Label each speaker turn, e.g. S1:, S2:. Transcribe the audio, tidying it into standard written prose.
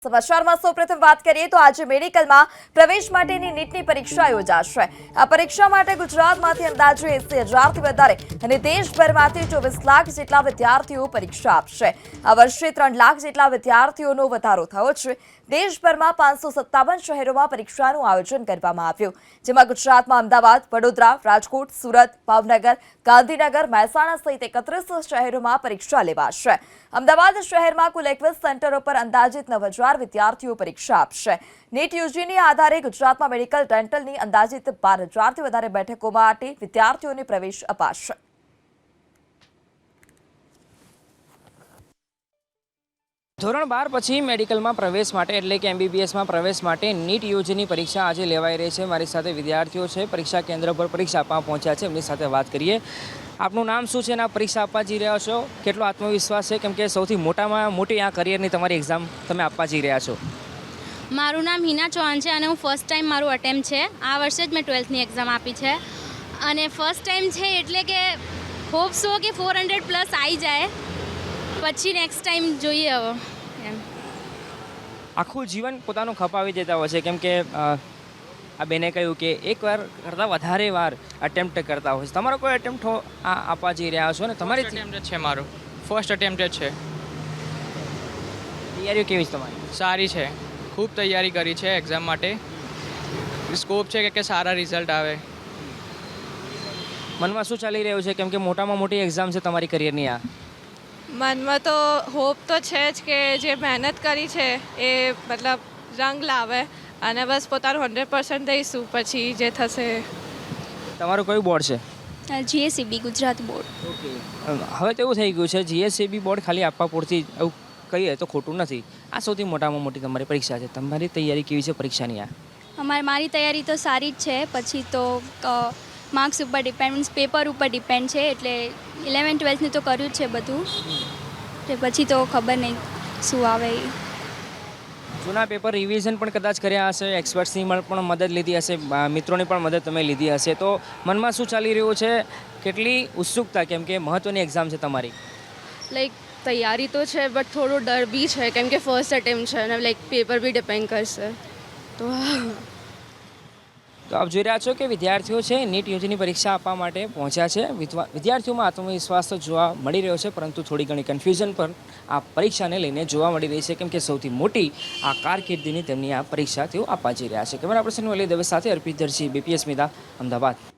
S1: સમાચારમાં સૌપ્રથમ વાત કરીએ તો આજે મેડિકલમાં પ્રવેશ માટેની નીટની પરીક્ષા યોજાશે। આ પરીક્ષા માટે ગુજરાતમાંથી અંદાજે 80,000થી વધારે અને દેશભરમાંથી 24 લાખ જેટલા વિદ્યાર્થીઓ પરીક્ષા આપશે। આ વર્ષે 3 લાખ જેટલા વિદ્યાર્થીઓનો વધારો થયો છે। દેશભરમાં 557 શહેરોમાં પરીક્ષાનું આયોજન કરવામાં આવ્યું, જેમાં ગુજરાતમાં અમદાવાદ, વડોદરા, રાજકોટ, સુરત, ભાવનગર, ગાંધીનગર, મહેસાણા સહિત 31 શહેરોમાં પરીક્ષા લેવાશે। અમદાવાદ શહેરમાં કુલ 21 સેન્ટરો પર અંદાજિત 9,000 વિદ્યાર્થીઓ પરીક્ષા આપશે। નીટ યુજીના આધારે ગુજરાતમાં મેડિકલ ડેન્ટલની અંદાજિત 12,000થી વધારે બેઠકો માટે વિદ્યાર્થીઓને પ્રવેશ અપાશે।
S2: ધોરણ 12 પછી મેડિકલમાં પ્રવેશ માટે એટલે કે MBBSમાં પ્રવેશ માટે નીટ યુજીની પરીક્ષા આજે લેવાઈ રહી છે। મારી સાથે વિદ્યાર્થીઓ છે, પરીક્ષા કેન્દ્ર પર પરીક્ષા આપવા પહોંચ્યા છે, એમની સાથે વાત કરીએ। આપનું નામ શું છે અને આપ પરીક્ષા આપવા જઈ રહ્યા છો? કેટલો આત્મવિશ્વાસ છે, કેમ કે સૌથી મોટામાં મોટી આ કરિયરની તમારી એક્ઝામ તમે આપવા જઈ રહ્યા છો?
S3: મારું નામ હિના ચૌહાણ છે અને હું ફર્સ્ટ ટાઈમ મારું અટેમ્પ છે। આ વર્ષે જ મેં 12થની એક્ઝામ આપી છે અને ફર્સ્ટ ટાઈમ છે એટલે કે હોપ સો કે 400 પ્લસ આવી જાય, પછી નેક્સ્ટ ટાઈમ જોઈએ હવે એમ।
S2: આખું જીવન પોતાનું ખપાવી દેતા હોય છે, કેમ કે આ બેને કહ્યું કે એકવાર કરતાં વધારે વાર અટેમ્પ્ટ કરતા હોય છે। તમારો કોઈ અટેમ્પ્ટ આપવા જઈ રહ્યા છો ને? તમારી
S4: અટેમ્પ્ટ છે, મારું ફર્સ્ટ અટેમ્પ્ટ જ છે।
S2: તૈયારીઓ કેવી છે તમારી?
S4: સારી છે, ખૂબ તૈયારી કરી છે એક્ઝામ માટે। સ્કોપ છે કે સારા રિઝલ્ટ આવે।
S2: મનમાં શું ચાલી રહ્યું છે, કેમ કે મોટામાં મોટી એક્ઝામ છે તમારી કરિયરની આ?
S5: મનમાં તો હોપ તો છે જ કે જે મહેનત કરી છે એ મતલબ રંગ લાવે અને બસ પોતાનું 100% દઈશું, પછી જે થશે।
S2: તમારું કયું બોર્ડ છે?
S3: GSEB Gujarat board.
S2: ઓકે, હવે તો એવું થઈ ગયું છે GSEB બોર્ડ ખાલી આપવા પૂરતી એવું કહીએ તો ખોટું નથી। આ સૌથી મોટામાં મોટી તમારી પરીક્ષા છે, તમારી તૈયારી કેવી છે પરીક્ષાની આ?
S3: મારી તૈયારી તો સારી જ છે, પછી તો માર્ક્સ ઉપર ડિપેન્ડ, મીન્સ પેપર ઉપર ડિપેન્ડ છે, એટલે 11-12ની તો કર્યું જ છે બધું, એટલે પછી તો ખબર નહીં શું આવે એ।
S2: જૂના પેપર રિવિઝન પણ કદાચ કર્યા હશે, એક્સપર્ટ્સની પણ મદદ લીધી હશે, મિત્રોની પણ મદદ તમે લીધી હશે, તો મનમાં શું ચાલી રહ્યું છે? કેટલી ઉત્સુકતા, કેમ કે મહત્ત્વની એક્ઝામ છે તમારી?
S6: લાઈક તૈયારી તો છે બટ થોડો ડર બી છે, કેમ કે ફર્સ્ટ અટેમ્પ્ટ છે અને લાઈક પેપર બી ડિપેન્ડ કરશે તો
S2: આપ જોઈ રહ્યા છો કે વિદ્યાર્થીઓ છે નીટ યુજીની પરીક્ષા આપવા માટે પહોંચ્યા છે। વિદ્યાર્થીઓમાં આત્મવિશ્વાસ તો જોવા મળી રહ્યો છે, પરંતુ થોડી ઘણી કન્ફ્યુઝન પણ આ પરીક્ષાને લઈને જોવા મળી રહી છે, કેમ કે સૌથી મોટી આ કારકિર્દીની તેમની આ પરીક્ષા તેઓ આપવા જઈ રહ્યા છે। કેમેરા પર્સન વલી દવે સાથે અર્પિત દરજી, BPS મીડિયા, અમદાવાદ।